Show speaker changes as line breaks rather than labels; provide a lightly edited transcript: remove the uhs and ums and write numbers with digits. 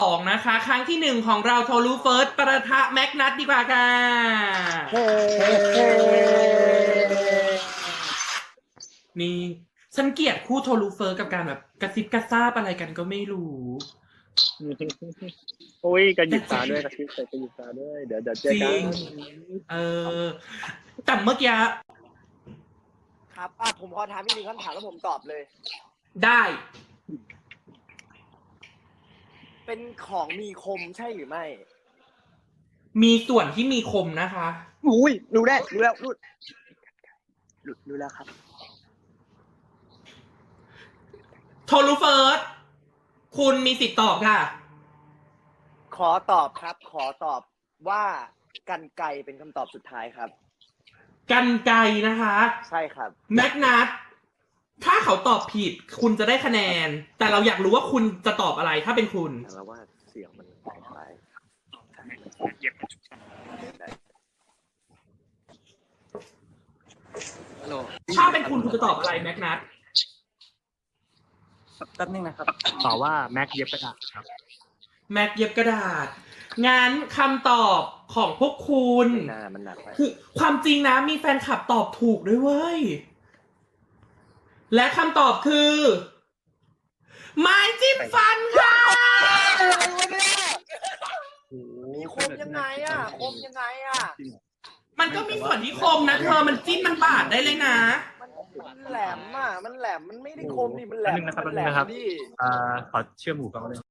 2นะคะ ครั้งที่1ของเราโทรูเฟิร์สประทะแม็กนัทดีกว่าค่ะนี่ฉันเกลียดคู่โทรูเฟิร์สกับการแบบกระซิบกระซาบอะไรกันก็ไม่รู้
โอ้ยกระหยิบตาด้วยกระซิบใส่กระหยิบตาด้วยเดี๋ยวเจอ
จริ
กัน
ง แต่เมื่อกี้
ครับผมขอถามอีกหนึ่งคำถามแล้วผมตอบเลย
ได้
เป็นของมีคมใช่หรือไม่
มีส่วนที่มีคมนะคะ
อุ้ยรู้แล้วรู้แล้วครับ
โทรูเฟิร์สคุณมีสิทธิ์ตอบค่ะ
ขอตอบครับ ขอตอบว่ากันไกรเป็นคำตอบสุดท้ายครับ
กันไกรนะคะ
ใช่ครับ
แม็กนัทถ้าเขาตอบผิดคุณจะได้คะแนน แต่เราอยากรู้ว่าคุณจะตอบอะไรถ้าเป็นคุณ
แล้วว่าเสียงมันแปลกไป
ถ้าเป็นคุณคุณจะตอบอะไรแม็กนัท
แป๊บนึงนะครับ
ตอบว่าแม็กเย็บกระดาษครับ
แม็กเย็บกระดาษ งั้นคำตอบของพวกคุณ
หน้ามันหนักไป
คือความจริงนะมีแฟนคลับตอบถูกด้วยเว้ย และคำตอบคือ ไม้จิ้มฟันค่ะ
มีคมยังไงอ่ะ คมยังไงอ่ะ
มันก็มีส่วนที่คมนะเธอ มันจิ้มมันบาดได้เลยนะ
มันแหลมอ่ะ มันแหลม มันไม่ได้คมดิมันแหลม
แป๊บนึงนะครับ
มันแหลม
แป๊บนึงนะครับ
ดิ
ขอเชื่อมหูฟังเลย